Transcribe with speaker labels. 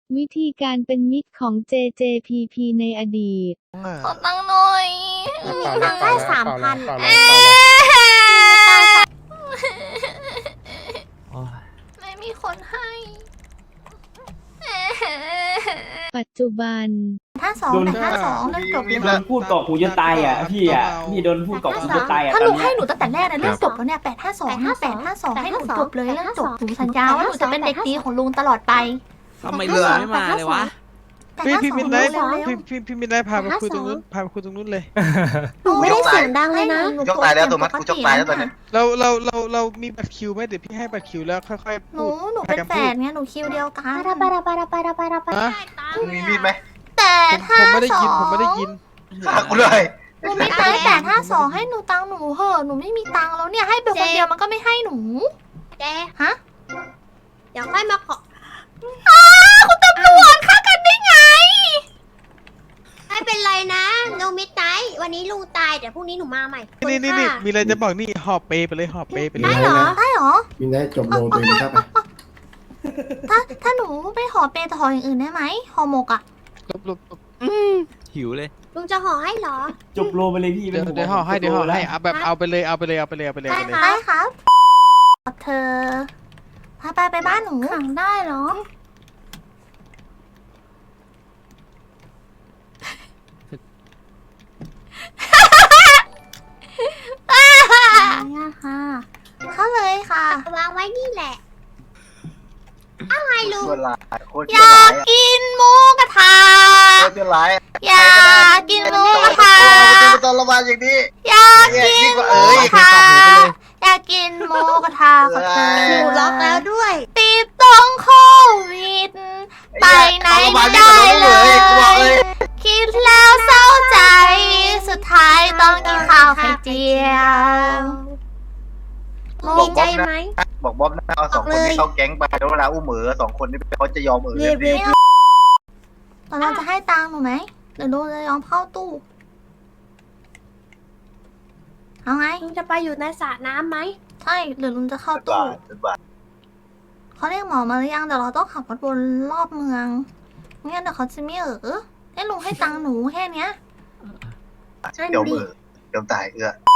Speaker 1: วิธีการเป็นมิตรของ JJPP ในอดีต
Speaker 2: ขอตังค์หน่อย
Speaker 3: มีตังค์ได้3,000
Speaker 2: ไม่มีคนให้
Speaker 1: ปัจจุบัน
Speaker 4: 52แต่52เรื่องจบเลย
Speaker 5: โดนพูดเกาะหูจะตายอ่ะพี่โดนพูดเกาะหูจะตายอ่ะ
Speaker 4: ถ้า
Speaker 5: ต
Speaker 4: ห
Speaker 5: อ
Speaker 4: นู
Speaker 5: นเนี้
Speaker 4: ให้
Speaker 5: ย
Speaker 4: หนูตั้งแต่แรกนะเรื่องจบแล้วเนี่ย852ให้หนูจบเลยเรื่องจบหนูสัญญาว่าหนูจะเป็นเด็กดีของลุงตลอดไป
Speaker 6: ทำไมลุงไม่มาเลยวะ
Speaker 7: พี่มินไนท์
Speaker 4: เร็ว
Speaker 7: พี่มินไนท์พาไปคุยตรงนู้นพาไปคุยตรงนู้นเลย
Speaker 4: หนูไม่ได้เสียงดังเลยนะ
Speaker 3: ยกตายแล้วตัวมัดกูยกตายแล้วตอนนี้
Speaker 7: เรามีบัตรคิวไหมเดี๋ยวพี่ให้บัตรคิวแล้วค่อยๆ
Speaker 4: ห
Speaker 7: พู
Speaker 4: นู
Speaker 7: ด
Speaker 4: เป็นแฝดไงหนูคิวเดียวกัน
Speaker 7: ฮะ
Speaker 3: มึงมีมีดไหม
Speaker 4: แต่ถ้า
Speaker 7: ผมไม่ได้ยินผมไม่ได้ยิน
Speaker 3: ฆ่ากูเลย
Speaker 4: หนูไม่ได้852ให้หนูตังค์หนูเหอะหนูไม่มีตังค์แล้วเนี่ยให้ไปคนเดียวมันก็ไม่ให้หนู
Speaker 2: เจ๊
Speaker 4: ฮะ
Speaker 2: เดี๋ยวค่อยมาขอ
Speaker 4: คุณตำรวจฆ่ากันได้ไง
Speaker 2: ไม่เป็นไรนะลุงมิดไนท์วันนี้ลุงตายเดี๋ยวพรุ่งนี้หนูมาใหม่
Speaker 7: นี่มีอะไรจะบอกนี่หอบเปไปเลยหอบเปไปเลย
Speaker 4: ได้เหรอ
Speaker 8: มินได้จบโลตัวเองครับ
Speaker 4: ถ้าหนูไปห่อเปย์แต่ห่ออย่างอื่นได้ไหมห่อหมกอ่ะ
Speaker 7: ลบ
Speaker 6: หิวเลย
Speaker 2: ลุงจะห่อให้เหรอ
Speaker 5: จบโลไปเลยพี่
Speaker 7: เดี๋ยวห่อให้เอาแบบเอาไปเลย
Speaker 4: ได้ครับเธอไปบ้านหนูขังได้เหรอค่ะเข้าเลยค่ะ
Speaker 2: วางไว้นี่แหละอะไรลุง
Speaker 3: ตัวร้ายโคตร
Speaker 4: อ
Speaker 3: ชั่วย
Speaker 4: า
Speaker 3: ร้าก ย
Speaker 4: กินหมูกระทะ
Speaker 3: โคตรชั่วร้าย
Speaker 4: อยากกินหมูกระทะ
Speaker 3: ตอนระบาดอย่างนี้
Speaker 4: อยากกิน
Speaker 3: ยิ่งกว่า
Speaker 4: หมู
Speaker 3: เอ้ย
Speaker 4: กระทะอยากกินหมูกระทะกับเธอ
Speaker 2: หนูล็อกแล้วด้วย
Speaker 4: ติดต้องโควิด ไปไหนไม่ได้เลย คิดแล้วเศร้าใจ สุดท้ายต้องกินข้าวไข่เจียว
Speaker 2: มีใจไหม
Speaker 3: บอกบ๊อบนะเอา2 คนนี้เข้าแก๊งไปแล้วเวลาอุ้ม2 คนนี้เขาจะยอมเลย
Speaker 4: ตอนเราจะให้ตังค์หนูไหมหรือลุงจะยอมเข้าตู้ เอาไง
Speaker 2: ลุงจะไปอยู่ในสระน้ำไหม
Speaker 4: ใช่หรือลุงจะเข้าตู้
Speaker 3: บาท
Speaker 4: เขาเรียกหมอมาหรือยังเดี๋ยวเราต้องขับรถวนรอบเมืองไม่งั้นเดี๋ยวเขาจะไม่ให้ลุงให้ตังค์หนูแค่เนี้ย
Speaker 2: ให้ห
Speaker 3: เดี๋
Speaker 2: นู
Speaker 3: ยว
Speaker 2: ดิ
Speaker 3: เดี๋ยวตาย